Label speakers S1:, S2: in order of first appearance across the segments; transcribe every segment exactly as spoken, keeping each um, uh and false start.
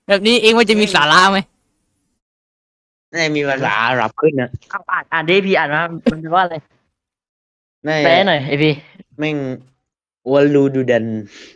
S1: แบบนี้เองว่าจะมีสาระไหม
S2: น่าจะมีภาษาอาหรับขึ้นนะ
S3: เอาอ่านอ่านดิพี่อ่านมามันแปลว่าอะไร
S2: น่าจะ
S3: แปลหน่อยไอพี่
S2: แม่งวอลลูดูดัน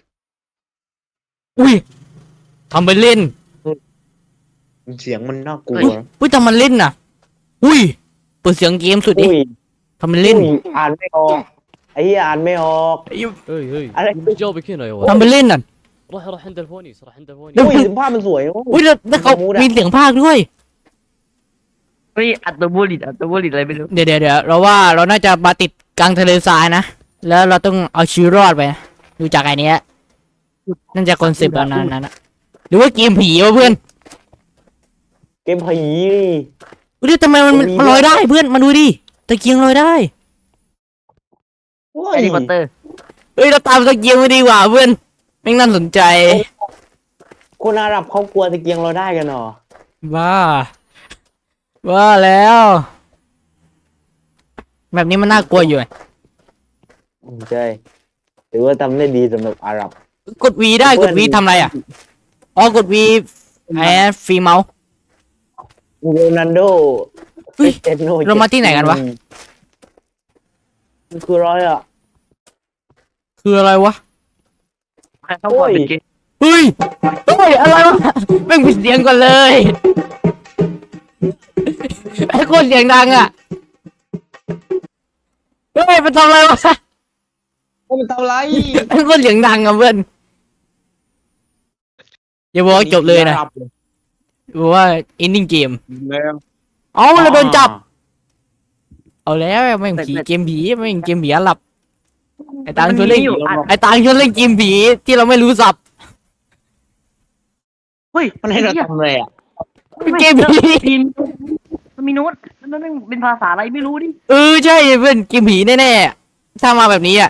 S1: อุ้ยทำไปเล่น
S2: เสียงมันน่ากลัว
S1: อุ้ยอุ้ยทำมันเล่นน่ะ อุ้ยเปิดเสียงเกมสุดดิ
S2: อุ้ย
S1: ทำมันเล่น
S2: อุ้ยอ่านไม่ออกไอ้เหี้ยอ่านไม่ออก
S4: هي هي
S2: على
S4: جاوبك هنا يا
S1: ทำ
S4: ولد
S1: ไปเล่นน่ะ
S4: روح روح عند الفونيس روح عند الفونيس
S1: แล้ว
S2: อุ้ยภาพมันสวยโอ้
S1: อุ้ยแล้วแล้วเขา
S2: มูดอะ
S1: มีเสียงภาคด้วย
S3: เฮ้ยอัตโตบูลิตอัตโตบูลิตอะไรไม่รู้
S1: เดี๋ยวเดี๋ยวเดี๋ยวเราว่าเราน่าจะมาติดกลางทะเลทรายนะ แล้วเราต้องเอาชีวิตรอดไปนะดูจากไอ้เนี้ยนั่นจะคอนเซปต์แบบนั้นนะ หรือว่าเกมผีวะเพื่อน
S2: เกมผี
S1: อุ้ยทำไมมันมันมันลอยได้เพื่อนมาดูดิตะเกียงลอยได้
S2: โอ้
S3: แฮ
S2: ย
S3: ร์รี่พอตเตอร์
S1: เฮ้ยเราตามตะเกียงไปดีกว่าเพื่อนแม่งน่าสนใจ
S2: คนอาหรับเขากลัวตะเกียงเราได้กันเหรอ
S1: บ้าบ้าแล้ว แบบนี้มันน่ากลัวอยู่
S2: ใช่ถือว่าทำได้ดีสำหรับอาหรับ
S1: กด V ได้กด V ทำอะไรอ่ะอ๋อกด V ไอ้ฟรีเมาส์
S2: โรนัลโด
S1: เฮ้ย
S2: เอ็นโน
S1: เรามาที่ไหนกันวะ
S2: มันคือร้อยอ่ะ
S1: คืออะไรวะ
S3: ใครเข้าก่อนเป็นเกย์
S1: เฮ้ยเฮ้ยอะไรวะแม่งปิดเสียงก่อนเลยไอ้โคตรเสียงดังอ่ะเฮ้ยมันทำอะไรวะ
S2: มันทำไร
S1: ไอ้โคตรเสียงดังอ่ะเพื่อนอย่าบอกว่าจบเลยนะบอกว่า ending game เอาเราโดนจับ เอาแล้วแม่งผีเกมผีแม่งเกมผีอาหรับไอ้ตังชวนเล่น
S3: อยู่อ่าน
S1: ไอ้ตังชวนเล่นเกมผีที่เราไม่รู้สับ
S3: เฮ้ย
S2: มันให้เราทำอะไรอ่ะ
S1: เกมผี
S3: พิมพ์มันมีโน้ตมันนั่นเป็นภาษาอะไรไม่รู้ดิ
S1: เออใช่เพื่อนเกมผีแน่ๆถ้ามาแบบนี้อ่ะ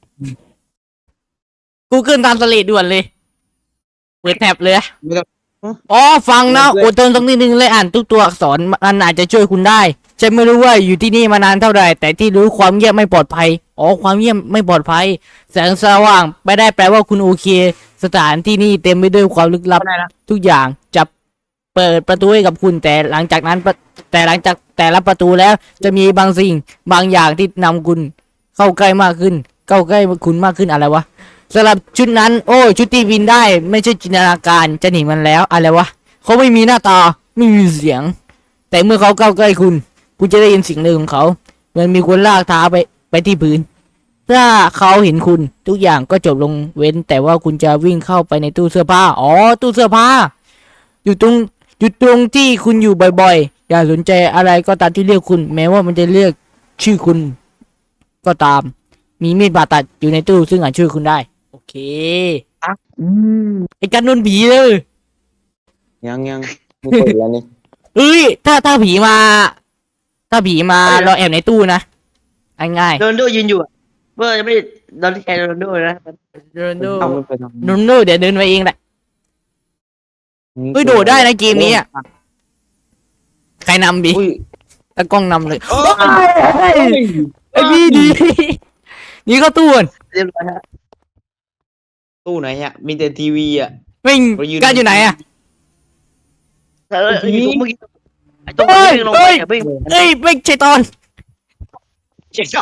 S1: Google Translate ด่วนเลยเปิดแท็บเลย
S2: ไม่ต้อง
S1: อ๋อฟังนะอดทนสักนิดนึงเลยอ่านทุกตัวอักษรมันอาจจะช่วยคุณได้ฉันไม่รู้ว่าอยู่ที่นี่มานานเท่าไหร่แต่ที่รู้ความเงียบไม่ปลอดภัยอ๋อความเงียบไม่ปลอดภัยแสงสว่างไม่ได้แปลว่าคุณโอเค สถานที่นี่เต็มไปด้วยความลึกลับ
S3: ได้นะ
S1: ทุกอย่างจะเปิดประตูให้กับคุณแต่หลังจากนั้นปะแต่หลังจากแต่ละประตูแล้ว จะมีบางสิ่งบางอย่างที่นำคุณ เข้าใกล้มากขึ้น เข้าใกล้คุณมากขึ้นอะไรวะสำหรับชุดนั้น โอ้ชุดที่บินได้ ไม่ใช่จินตนาการจะหนีมันแล้วอะไรวะเขาไม่มีหน้าตาไม่มีเสียง แต่เมื่อเขาเข้าใกล้คุณ คุณจะได้ยินเสียงหนึ่งของเขาเหมือนมีคนลากเท้าไปไปที่พื้น ถ้าเขาเห็นคุณทุกอย่างก็จบลงเว้น แต่ว่าคุณจะวิ่งเข้าไปในตู้เสื้อผ้าอ๋อตู้เสื้อผ้า อยู่ตรงอยู่ตรงที่คุณอยู่บ่อยๆ อย่าสนใจอะไรก็ตามที่เรียกคุณ แม้ว่ามันจะเรียกชื่อคุณก็ตาม มีมีดบาดตัดอยู่ในตู้ซึ่งอาจช่วยคุณได้ โอเค
S3: อืม
S1: ไอ้กันโดนผีเลย
S2: ยังยังไม่เปิดแล้วนี่
S1: เอ้ยถ้าถ้าผีมา ถ้าผีมาเราแอบในตู้นะง่าย
S3: โรนลโดยืนอยู่อะเบอร์จะไม่ได้โดนแทนโรนลโดนะ
S1: ๆโดนโด
S2: เอาไม่ไปทำ
S1: โดนโดเดี๋ยวเดินไปเองแหละเฮ้ยโดดได้นะเกมนี้อ่ะใครนำบี
S2: อุ้ย
S1: ตะกล้องนำเลย
S2: โอ้ย
S1: ไอ้พี่ดีนี่ก็ตู้น
S3: เรียบร้อยฮะ
S2: ตู้ไหนอ่ะมีแต่ทีวีอ่ะ
S1: วิ่ง
S2: ไปยืน
S1: กันอยู่ไหนอ่ะ
S3: เอออยู่ตรงเมื่อกี้ไอ้ตรง
S1: เฮ้ย
S3: วิ่งลงไป
S1: เฮ้ย
S3: อะวิ่ง
S1: เอ้ยไม่ใช่ตอน
S2: เจ็ดจอน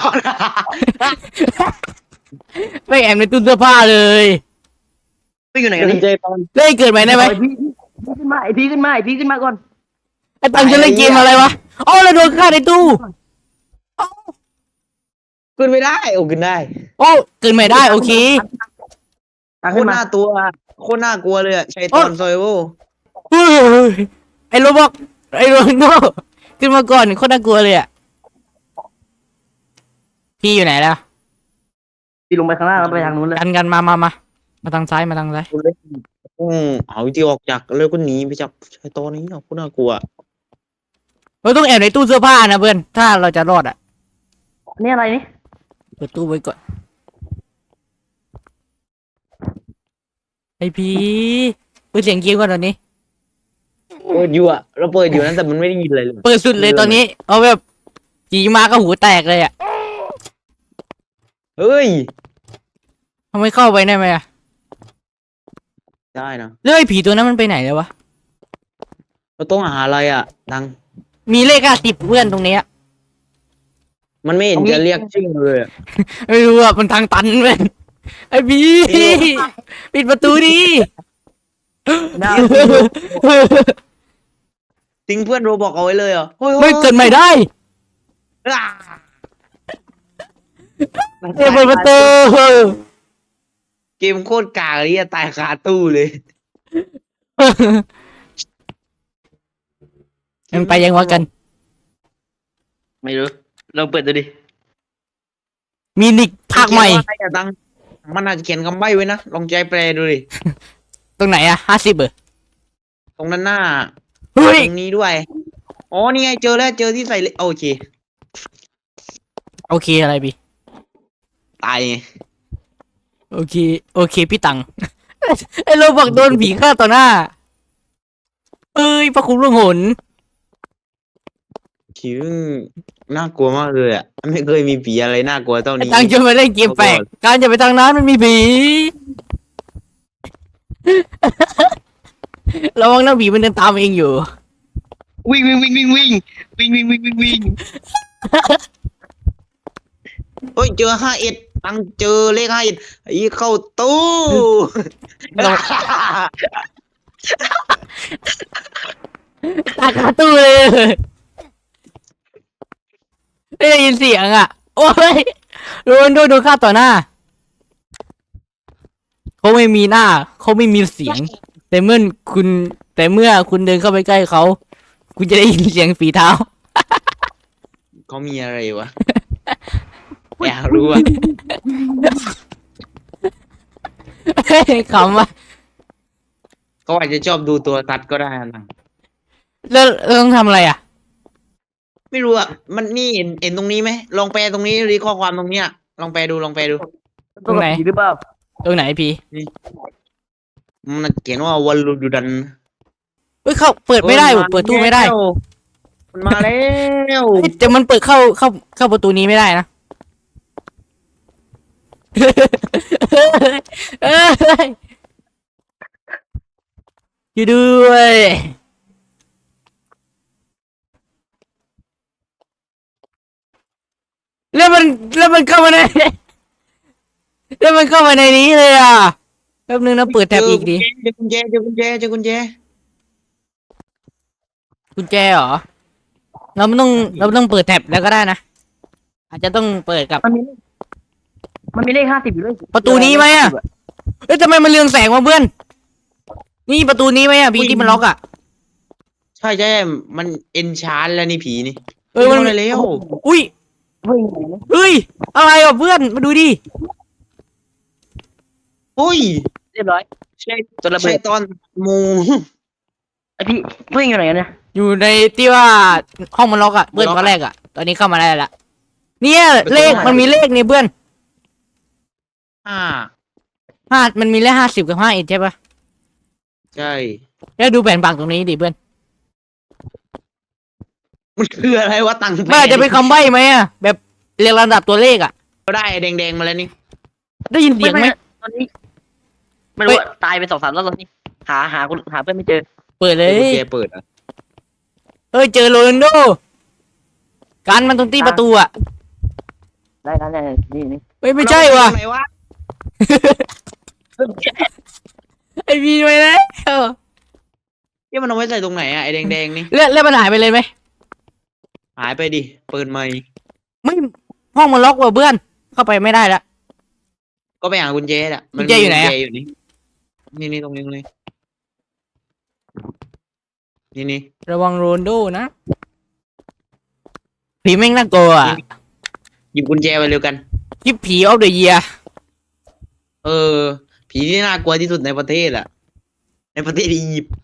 S1: ไม่แอบในตู้เสื้อผ้าเลย
S3: วิ่งอยู่ไหนกันนี่
S2: เจ็ดตอน
S1: เล่นเกิดใหม่ได้ไหม
S3: ไอ้พี่ขึ้นมาไอพี่ขึ้นมาไอพี่ขึ้นมาก่อน
S1: ไอ้ตังจะเล่นเกมอะไรวะอ๋อเราโดนฆ่าในตู้
S2: ขึ้นไม่ได้โอ้ขึ้นได้
S1: โอ้เกิดใหม่ได้โอเค
S3: ตัง
S2: โค
S3: ขึ้
S2: ต
S3: น
S2: ร
S3: มา
S2: น่าตัวโคตรน่ากลัวเลยอ่ะชัยตอนซอยโว
S1: เฮ้ยไอ้โรบอกไอ้โรนโดขึ้นมาก่อนโคตรน่ากลัวเลยอ่ะพี่อยู่ไหนแล้ว
S3: พี่ลงไปข้างล่างแล้วไปทางนู้นเลย
S1: กันกันมามามามาทางซ้ายมาทางซ้าย
S2: อืมเอาวิธีออกจากแล้วก็หนีไปจากชัยตอนนี้เนาะโคตรน่ากลัว
S1: เราต้องแอบในตู้เสื้อผ้านะเพื่อนถ้าเราจะรอดอ่ะ
S3: อันนี่อะไรนี่
S1: เปิดตู้ไว้ก่อนไอพีเปิดเสียงเกมก่อนตอนนี้
S2: เปิดอยู่อ่ะเราเปิดอยู่นั้นแต่มันไม่ได้ยินอะไรเลย
S1: เปิดสุดเลยตอนนี้ เอาแบบจีมาก็หูแตกเลยอ่ะ
S2: เฮ้ย
S1: ทำไมเข้าไปได้ไหมอ่ะ
S2: ได้นะ
S1: แล้วไอ้ผีตัวนั้นมันไปไหนแล้ววะ
S2: เราต้องหาอะไรอ่ะตัง
S1: มีเลขห้าสิบเพื่อนตรงเนี้ย
S2: มันไม่เห็นจะเรียกชื่อเลยอะ
S1: ไม่รู้อ่ะมันทางตันเว้ยไอ้บีปิดประตูดิ
S3: นะ
S2: ทิ้งเพื่อนโรบอกเอาไว้เลยเหรอเฮ้ย
S1: ไม่เกิดใหม่ได้
S2: อ่า
S1: เปิดประตู
S2: เกมโคตรกากเลยอะตายคาตู้เลย
S1: มันไปยังวะกัน
S3: ไม่รู้ลองเปิดดูดิ
S1: มีนิกภาคใหม่
S2: เขียนว่าอะไรอะตังมันอาจจะเขียนคำใบ้ไว้นะลองใจแปลดูดิ
S1: ตรงไหนอะห้าสิบเออ
S2: ตรงนั้นหน้า
S1: เฮ้ย
S2: ตรงนี้ด้วยอ๋อนี่ไงเจอแล้วเจอที่ใส่เลโอเค
S1: โอเคอะไรบี
S2: ตายไง
S1: โอเค โอเคพี่ตัง ไอ้โรบอกโดนผีฆ่าต่อหน้า เอ้ยพระคุณล่วงหน
S2: คิวน่ากลัวมากเลยอ่ะไม่เคยมีผีอะไรน่ากลัวเท่า
S1: ไอ้
S2: นี้
S1: ตังจะมาเล่นเกมแปลกการจะไปทางนั้นมันมีผี ระวังนะผีมันเดินตามเองอยู่
S3: วิ่งวิ่งวิ่งวิ่งวิ่งวิ่งวิ่งวิ่งวิ่งวิ่ง
S2: เฮ้ยเจอห้าเอ็ดตังเจอเลขห้าเอ็ดไอ้เข้าตู้
S1: เรา ตาคาตู้เลยไม่ได้ยินเสียงอ่ะ โอ้ยโดนโดนโดนฆ่าต่อหน้า เขาไม่มีหน้า เขาไม่มีเสียง แต่เมื่อคุณ แต่เมื่อคุณเดินเข้าไปใกล้เขา คุณจะได้ยินเสียงฝีเท้า
S2: เขามีอะไรวะ อยากรู้อ่ะ
S1: ขำว่ะ
S2: เขาอาจจะชอบดูตัวตัดก็ได้นะ
S1: แล้วแล้วต้องทำอะไรอ่ะ
S2: ไม่รู้อ่ะมันนี่เห็นเห็นตรงนี้ไหมลองแปลตรงนี้รีข้อความตรงเนี้ยลองแปลดูลองแปลดู
S1: ตรงไหน
S3: ผีหรือเปล่า
S1: ตรงไหนพี่
S2: มันเขียนว่าวันรูดูดัน
S1: เฮ้ยเข้าเปิดไม่ได้ว่ะเปิดตู้ไม่ได้
S2: มันมาแล้ว
S1: เฮ้ยแต่มันเปิดเข้าเข้าเข้าประตูนี้ไม่ได้นะ เอ้ยอยู่ด้วยแล้วมันแล้วมันเข้ามาใน แล้วมันเข้ามาในนี้เลยอ่ะแป๊บนึงนะเปิดแท็บอีกดิ
S2: เจอกุญแจเจอกุญแจเจอกุญแจ
S1: กุญแจเหรอ เราไม่ต้องเราไม่ต้องเปิดแท็บแล้วก็ได้นะ อาจจะต้องเปิดกับ
S3: มันมีมันมีเลขห้าสิบอยู่ด้วย
S1: ประตูนี้ไหมอะ เอ้ยทำไมมันเรืองแสงวะเพื่อน นี่ประตูนี้ไหมอ่ะพี่ที่มันล็อกอ่ะ
S2: ใช่ใช่มันเอนชานแล้วนี่ผีนี่
S1: เออมัน
S2: เข้าาแล้ว
S1: อุ้ย
S3: เฮ้ยไหนนะ
S1: เฮ้ยอะไรอ่ะเพื่อนมาดูดิ
S2: อุ้ย
S3: เรียบร้อย
S2: ใช่
S3: ตัวระเบิ
S2: ใช่
S3: ด
S2: ตอนมู
S3: ไอพี่เพื่อนอยู่ไหนกันเนี่ย
S1: อยู่ในที่ว่าห้องมันล็อกอ่ะเพื่อนตอนแรกอ่ะ ตอนนี้เข้ามาได้ละเนี่ยเลขมันมีเลขเนี่ยเพื่อน
S2: ห้า
S1: ห้ามันมีเลขห้าสิบกับห้าเอ็ดใช่ปะ
S2: ใช่
S1: แล้วดูแผ่นผังตรงนี้ดิเพื่อน
S2: มันคืออะไรวะตังค์
S1: มันอาจจะเป็นคำใบ้ไหมอ่ะแบบเรียงลำดับตัวเลขอ่ะ
S2: ก็ได้แดงๆมาแล้วนี่
S1: ได้ยินเสียงไหม
S3: ตอนนี้ไม่รู้อะตายไปสองสามรอบตอนนี้ หาหาคุณหาเพื่อนไม่เจอ
S1: เปิดเลย
S2: กุญแจเปิดอ่ะ
S1: เฮ้ยเจอโรนัลโดการมันตรงที่ประตูอ่ะ
S3: ได้ได้ได้นี่นี่
S1: เฮ้ยไม่ใช่ว่ะ
S2: ไหนวะ
S1: ไอพีไปแล้ว
S2: ที่มันเอาไว้ใส่ตรงไหนอ่ะไอ้แดงๆนี่
S1: แล้วแล้วมันหายไปเลยไหม
S2: หายไปดิเปิดใหม่
S1: ไม่ห้องมันล็อกว่ะเพื่อน เข้าไปไม่ได้ละ
S2: ก็ไปหากุญแจอ่ะมั
S1: กุญแจอยู่ไหนอะ
S2: กุญแจอยู่นี่นี่นี่ตรงนี้ตรงนี้นี่นี่
S1: ระวังโรนลโดนะผีแม่งน่ากลัวอ่ะ
S2: หยิบกุญแจไปเร็วกัน
S1: คลิปผีออฟเดอะเยีย
S2: เออ ผีที่น่ากลัวที่สุดในประเทศอ่ะ ในประเทศอียิปต์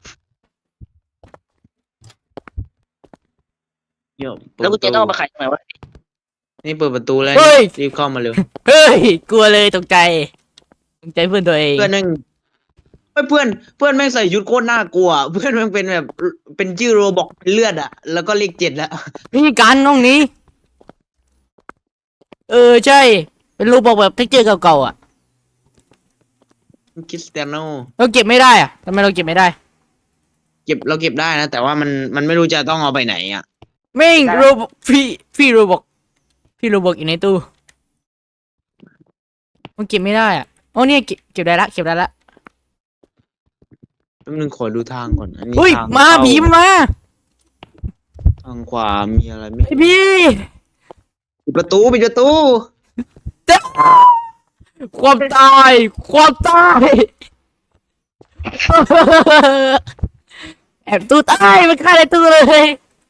S2: เดี๋ยวเปิด
S3: แล้วกู
S2: ประ
S3: เจ๊
S2: ตู
S3: ต้องเอามาขายตรงไหนวะ
S2: นี่เปิดประตูแล้ว
S1: เฮ้ย
S2: รีบเข้ามาเร็ว
S1: เฮ้ย กลัวเลยตกใจตกใจเพื่อนตัวเอง
S2: เพื่อนแม่งเฮ้ยเพื่อนเพื่อนแม่งใส่ชุดโคตรน่ากลัว เพื่อนแม่งเป็นแบบเป็นชื่อโรบอกเป็นเลือดอ่ะ แล้วก็เลขเจ็ดแล้ว
S1: นี่การห้องนี้ เออใช่ เป็นรูปบอกแบบเท็กเจอร์เก่าๆอ่ะ
S2: คริสเตียโน
S1: เราเก็บไม่ได้อ่ะทำไมเราเก็บไม่ได้
S2: เกก็บเราเก็บได้นะ แต่ว่ามันมันไม่รู้จะต้องเอาไปไหนอ่ะ
S1: แม่งโรบพี่พี่โรบอกพี่โรบอกอยู่ในตู้มันเก็บไม่ได้อ่ะโอ้เนี่ยเก็บเก็บได้ละเก็บได้ละ
S2: แป๊บนึงขอดูทางก่อนอันนี้
S1: เฮ้ย
S2: ทาง
S1: มา
S2: เข้
S1: ผีมันมา
S2: ทางขวามีอะไรไหม
S1: ไอพี่
S2: ปิดประตูปิดประตู
S1: ความตายความตาย แอบตู้ตายมันฆ่าในตู้เลย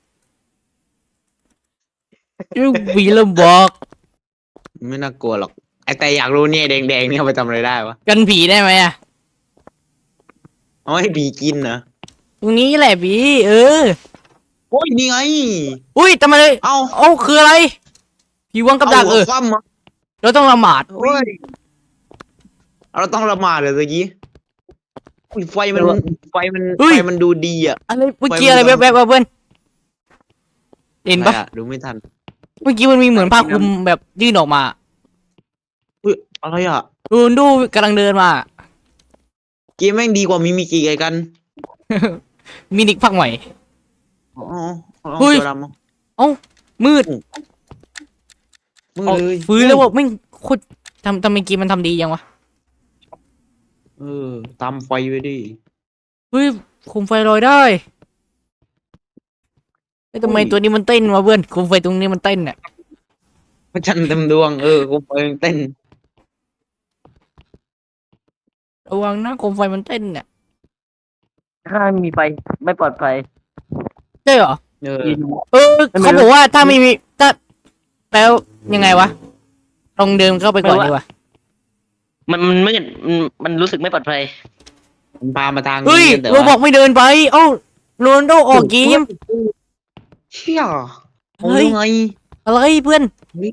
S1: ยูวีเริ่มบอก
S2: ไม่น่ากลัวหรอกไอแต่อยากรู้เนี่ยแดงๆนี่เอาไปทำอะไรได้วะ
S1: กันผีได้ไหมอ่ะ
S2: เอาให้ผีกินนะ
S1: ตรงนี้แหละผีเออ
S2: โอ้ยนี่ไง
S1: อุ้ยทำไมเลย
S2: เอา
S1: เอ้าคืออะไรผีวางกับดักเออ
S2: าหัวคว่ำมา
S1: เราต้องละหมาด
S2: โอ้ยเราต้องละหมาดเลยตะกี้อุ้ยไฟมันไฟมันไฟมันดูดีอ่ะ
S1: อะไรเมื่อกี้อะไรแวบๆวะเพื่อนเห็นปะ
S2: อะไรอะดูไม่ทัน
S1: เมื่อกี้มันมีเหมือนผ้าคลุมแบบยื่นออกมา
S2: อุ้ยอะไรอ่ะ
S1: ดูดูกำลังเดินมา
S2: เกมแม่งดีกว่ามิมิกิไงกัน
S1: มินิกพักใหม่
S2: อ๋ออ๋อ
S1: เฮ้ย
S2: ตัวดำอ่ะ
S1: เอ้ามืด
S2: มือ
S1: เอา
S2: เลย
S1: ฟื้นแล้วว่าไม่งโคตรทำทำไมเกมมันทำดียังวะ
S2: เออตามไฟไว้ดิ
S1: เฮ้ยคุมไฟลอยได้เฮ้ยทำไมตัวนี้มันเต้นวะเพื่อนคุมไฟตรงนี้มันเต้นเนี่ย
S2: พระจันทร์เต็มดวงเออกูไฟมันเต้น
S1: ระวังนะคุมไฟมันเต้นเนี่ย
S3: ถ้ามีไฟไม่ปลอดภัย
S1: ใช่เหรอ
S2: เออ
S1: เออเขาบอกว่าถ้าไม่มีถ้าแปลยังไงวะลองเดินเข้าไปก่อนดีกว่า
S3: มันมันไม่มันมันรู้สึกไม่ปลอดภัย
S2: มันพามาทาง
S1: เฮ้ย
S2: แต่
S1: เราบ
S2: ว่า
S1: อกไม่เดินไปเอ้าโรนลโดออกเกม
S2: เชี่ย
S1: เฮ้
S2: เฮ้
S1: ย
S2: ยไง
S1: อะไรเพื่อน
S2: เฮ้ย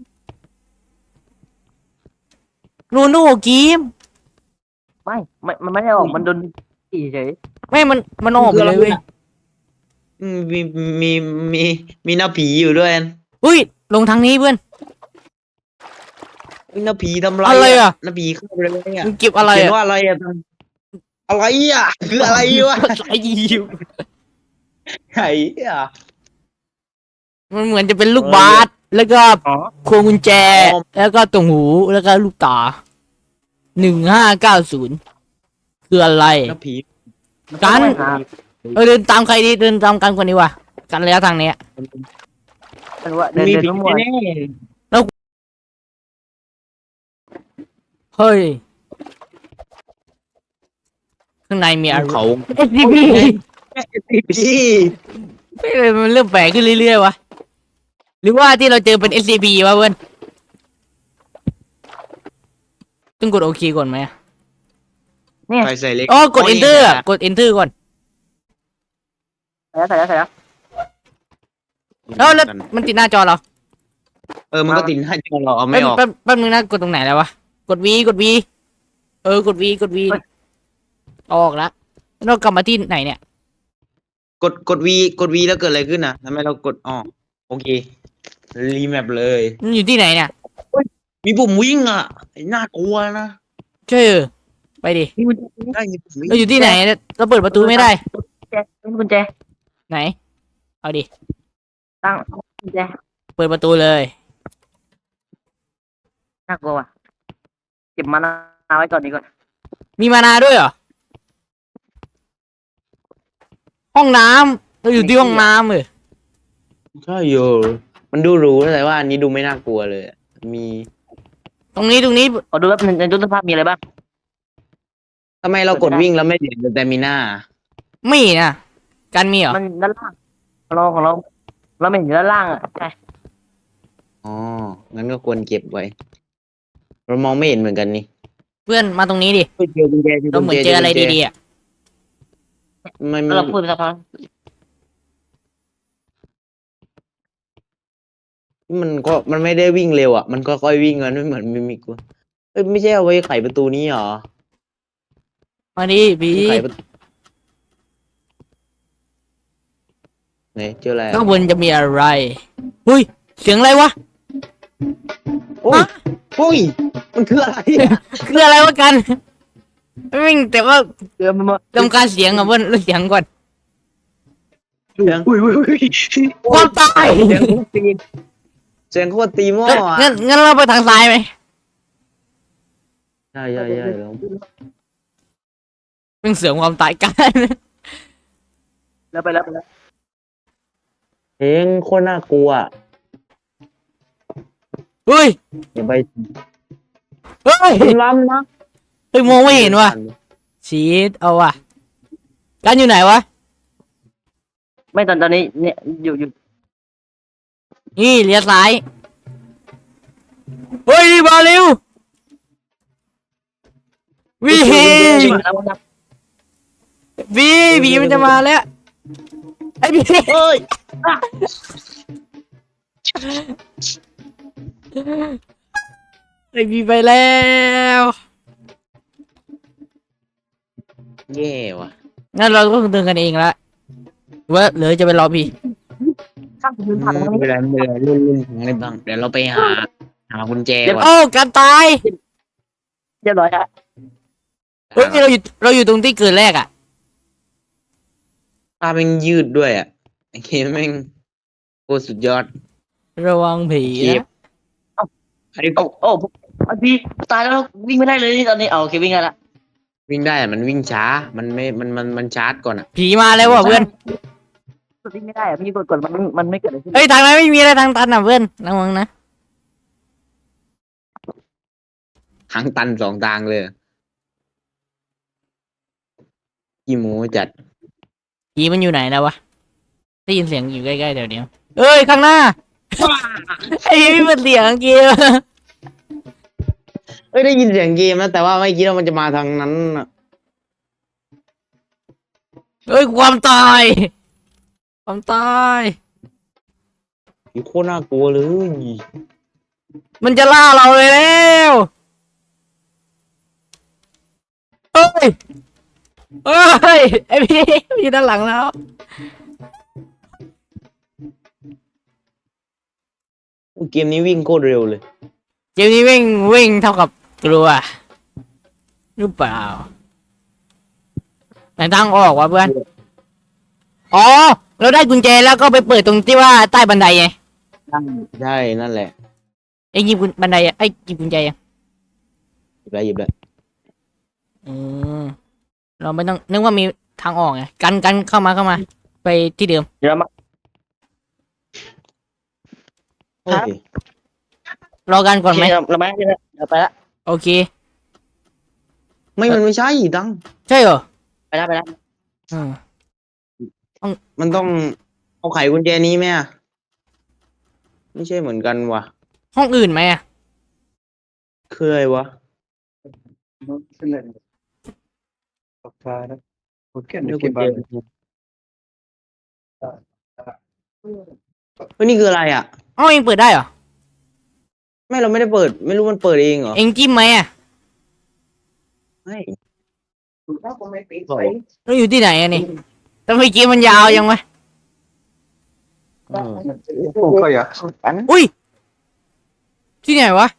S1: โรนลโดออกเกม
S3: ไม่ไม่มันไม่ได้ออกมันโดนตีเฉย
S1: ไม่มันมันออกไปเลยเว้ย
S2: อืมมีมีมีมีหน้าผีอยู่ด้วย
S1: เฮ้ยลงทางนี้เพื่อน
S2: มีหน้าผีทำไร
S1: อะไรอะ
S2: หน้าผีเข้าไปเลยอ่ะ
S1: มึงเก็บอะไร
S2: เขียน
S1: อะ
S2: ว่าอะไรอ่ะอะไรอ่ะคืออะไรวะ
S1: ไอ้ยิว
S2: ไอ้อ่ะ
S1: มันเหมือนจะเป็นลูกบาสแล้วก็
S3: อ๋อ
S1: พวงกุญแจ
S2: อ๋อ
S1: แล้วก็ตรงหูแล้วก็ลูกตาหนึ่งห้าเก้าศูนย์คืออะไร
S2: หน้าผี
S1: กัน
S3: หา
S1: เออเดินตามใครดีเดินตามกันคนนี้ว่ะกันระยะทางเนี้ย
S3: มันว่าเดิน
S2: มี
S3: เดิน
S2: ผี
S3: มั่ว
S2: แน่
S1: เฮ้ยข้างในมีอะไร
S2: ๆเขา
S1: เอสซีพี
S2: ผี
S1: ไม่เลยมันเริ่มแปลกขึ้นเรื่อยๆวะหรือว่าที่เราเจอเป็น เอส ซี พี วะเพื่อนต้องกดโอเคก่อนไหมอะ
S3: เนี่ย
S2: ใครใส่เล็ก
S1: อ๋อกด enter อะกด enter ก่อน
S3: ใส่แล้วใส่แล้วใส่แล้ว
S1: แล้วแล้วมันติดหน้าจอเรา
S2: เออมันก็ติดหน้าจอเราเอาไม่ออก
S1: แป๊บแป๊บนึงนะกดตรงไหนแล้ววะกด V กด V เออกด V กด V ออกแล้วแล้วเรากลับมาที่ไหนเนี่ย
S2: กดกดวีกดวีแล้วเกิดอะไรขึ้นอ่ะทำไมเรากดอ๋อโอเครีแมปเลย
S1: มันอยู่ที่ไหนเนี่ย
S2: มีปุ่มวิ่งอ่ะน่ากลัวนะ
S1: ใช่เออไปดิ
S2: ได้มีปุ่มวิ่ง
S1: เราอยู่ที่ไหนเนี่ยเราเปิดประตูไม่ได้
S3: กุญแจเป็นกุญแจ
S1: ไหน เอาดิ
S3: ตั้งกุญแจ
S1: เปิดประตูเลย
S3: น่ากลัวว่ะเก็บมานาไว้ก่อนดีกว่า
S1: มีมานาด้วยเหรอ ห้องน้ำเราอยู่ที่ห้องน้ำเออ
S2: ใช่อยู่มันดูหรูแต่ว่าอันนี้ดูไม่น่ากลัวเลยอะมี
S1: ตรงนี้ตรงนี้
S3: ขอดูว่าในตู้เสื้อผ้ามีอะไรบ้าง
S2: ทำไมเรากดวิ่งแล้วไม่เห็นแต่มีหน้า
S1: มีนะกันมีเหรอ
S3: มันด้านล่างของเราของเรา เราไม่เห็นอยู่ด้านล่างอ่ะใช่
S2: อ๋องั้นก็ควรเก็บไว้ เรามองไม่เห็นเหมือนกันนี่
S1: เพื่อนมาตรงนี้ดิ
S2: เฮ้ยเจอกุญแจ
S1: เราเหมือนเจออะไรดีๆอ่ะ
S2: ๆมัน
S3: แล้วเราพูดไปสักพัก
S2: มันก็มันไม่ได้วิ่งเร็วอ่ะมันก็ค่อยวิ่งมันไม่เหมือนมิมิกว่ะเอ้ยไม่ใช่เอาไว้ไขประตูนี้หรอ
S1: มาดิบี
S2: ไขประตูไหนเจออะไรอะ
S1: ข้างบนจะมีอะไรอุ้ยเสียงอะไรวะ
S2: โอ้ย
S1: ฮะ
S2: โอ้ยมันคืออะไรอะ
S1: คืออะไรวะกันวิ่งแต่ว่า
S3: เกือบมา
S1: ลำคาญเสียงอ่ะเพื่อนลดเสียงก่อน
S2: เสียงอุ้ยอุ้ยอุ้ย
S1: ความตาย
S2: เสียงโคตรตีเสียงโคตรตีหม้ออ่ะ
S1: งั้นงั้นเราไปทางซ้ายไหม
S2: ใช่ใช่ใช่แล้ว
S1: เป็นเสือความตายกัน
S3: แล้วไปแล้วไปแล้ว
S2: เพลงโคตรน่ากลัว
S1: เฮ้ย
S2: อย่าไป
S1: เฮ้ย
S2: ล้ำนะ
S1: เฮ้ยมองไม่เห็นว่ะชีตเอาว่ะกันอยู่ไหนวะ
S3: ไม่ตอนตอนนี้เนี่ยอยู่อยู่
S1: นี่เลี้ยวซ้ายเฮ้ยนี่มาเร็ววี
S3: ชิมาแล้วนะ
S1: วีวีมันจะมาแล้วไอ้วี
S3: เฮ้ย
S1: ไอ้วีไปแล้ว
S2: แย่ว่ะ
S1: งั้นเราก็เดินกันเองละว่าเหลือจะไปรอพี่
S3: ข้างพื้นผ่านตรง
S2: ไม่
S3: นี้
S2: เป็นไรไม่เป็นไรรุ่นรุ่นของอะไรบ้างเดี๋ยวเราไปหาหากุญแจก่อน
S1: โอ้กันตาย
S3: เรียบร้อยแล้ว
S1: เฮ้ยเราอยู่เราอยู่ตรงที่เกิดแรกอ่ะ
S2: ตาแม่งยืดด้วยอ่ะไอ้เคแม่งโคตรสุดยอด
S1: ระวังผี
S2: เก็บ
S1: นะ
S2: อันนี้
S3: โอ้โอ้อันพี่ตายแล้ววิ่งไม่ได้เลยตอนนี้เอาโอเควิ่งได้ละ
S2: วิ่งได้อะมันวิ่งช้า มันไม่มันมันมันชาร์จก่อนอ่ะ
S1: ผีมาแล้วว่ะเพื่อน
S3: วิ่งไม่ได้อะพี่กดกดมันมันไม่เกิดอะไรขึ้น
S1: เฮ้ยทางนั้นไม่มีอะไรทางตันอ่ะเพื่อนระวังนะ
S2: ทางตันสองทางเลยอีโมจัด
S1: ผีมันอยู่ไหนแล้ววะได้ยินเสียงอยู่ใกล้ๆเดี๋ยวเดียวเอ้ยข้างหน้า ไอ้พี่มันเสียงเกม
S2: เอ้ยได้ยินเสียงเกมนะแต่ว่าไม่คิดว่ามันจะมาทางนั้นน่ะ
S1: เอ้ยความตายความตาย
S2: อยู่โคตรน่ากลัวเลย
S1: มันจะล่าเราเลยแล้วเอ้ยเอ้ยไอพี่มันอยู่ด้านหลังแล้ว
S2: เกมนี้วิ่งโคตรเร็วเลย
S1: เกมนี้วิ่งวิ่งเท่ากับกลัวหรือเปล่าไหนทางออกวะเพื่อนอ๋อเราได้กุญแจแล้วก็ไปเปิดตรงที่ว่าใต้บันไดไง
S2: ใช่นั่นแหละ
S1: ไอ้หยิบกุญบันไดอะไอ้หยิบกุญแจยัง
S2: หยิบได้หยิบได้
S1: อืมเราไม่ต้องนึกว่ามีทางออกไงกันกันเข้ามาเข้ามา ไปที่เดิม
S3: เดี๋ยวมา
S2: โอเค
S1: รอกันก่อนไหม
S3: เราไม่ได้เราไปละ
S1: โอเค
S2: ไม่มันไม่ใช่ดัง
S1: ใช่เหรอ
S3: ไปละไปละ
S1: อืม
S2: มันต้องเอาไขกุญแจนี้ไหมอะไม่ใช่เหมือนกันว่ะ
S1: ห้องอื่นไหมอะ
S2: คืออะไรวะ
S5: Perché
S2: เดี๋ยว
S5: non
S2: กุญ
S5: che
S2: แจ
S5: vale?
S2: เฮ้ยนี่คืออะไรอ่ะ
S1: ห้องเองเปิดได้เหรอ
S2: ไม่เราไม่ได้เปิด ไม่รู้มันเปิดเองเหรอ
S1: เองจิ้มไหมอะ
S2: ไม่
S1: เราอยู่ที่ไหนอะนี่แต่เมื่อกี้มันยาวยังวะ
S2: เออ
S5: Comunque, ja.
S1: อุ้ยที่ไหนวะ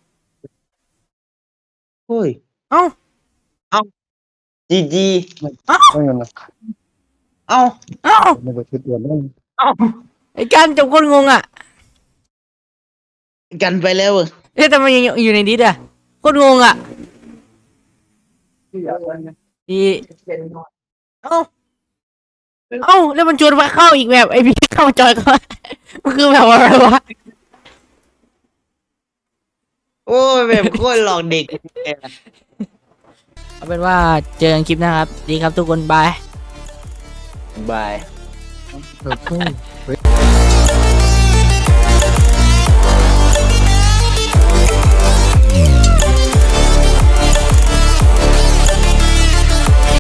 S2: เฮ้ย
S1: เอ้า
S2: จีจี
S5: Non è una
S2: เอ้า
S1: เอ้า
S5: negozio.
S1: ไอ้การจบคนงงอะ
S2: กันไปแล้วเหรอ
S1: เอ๊ะแต่มันยังอยู่ในดิสอะคนงงอะอีเอ้าเอ้าแล้วมันชวนมาเข้าอีกแบบไอพี่เข้ามาจอยก็มันคือแบบอะไรวะ
S2: โอ้ยแบบโคตรหลอกเด็ก
S1: เอาเป็นว่าเจอกันคลิปหนะครับ ดีครับทุกคน บาย
S2: บาย
S5: Ok.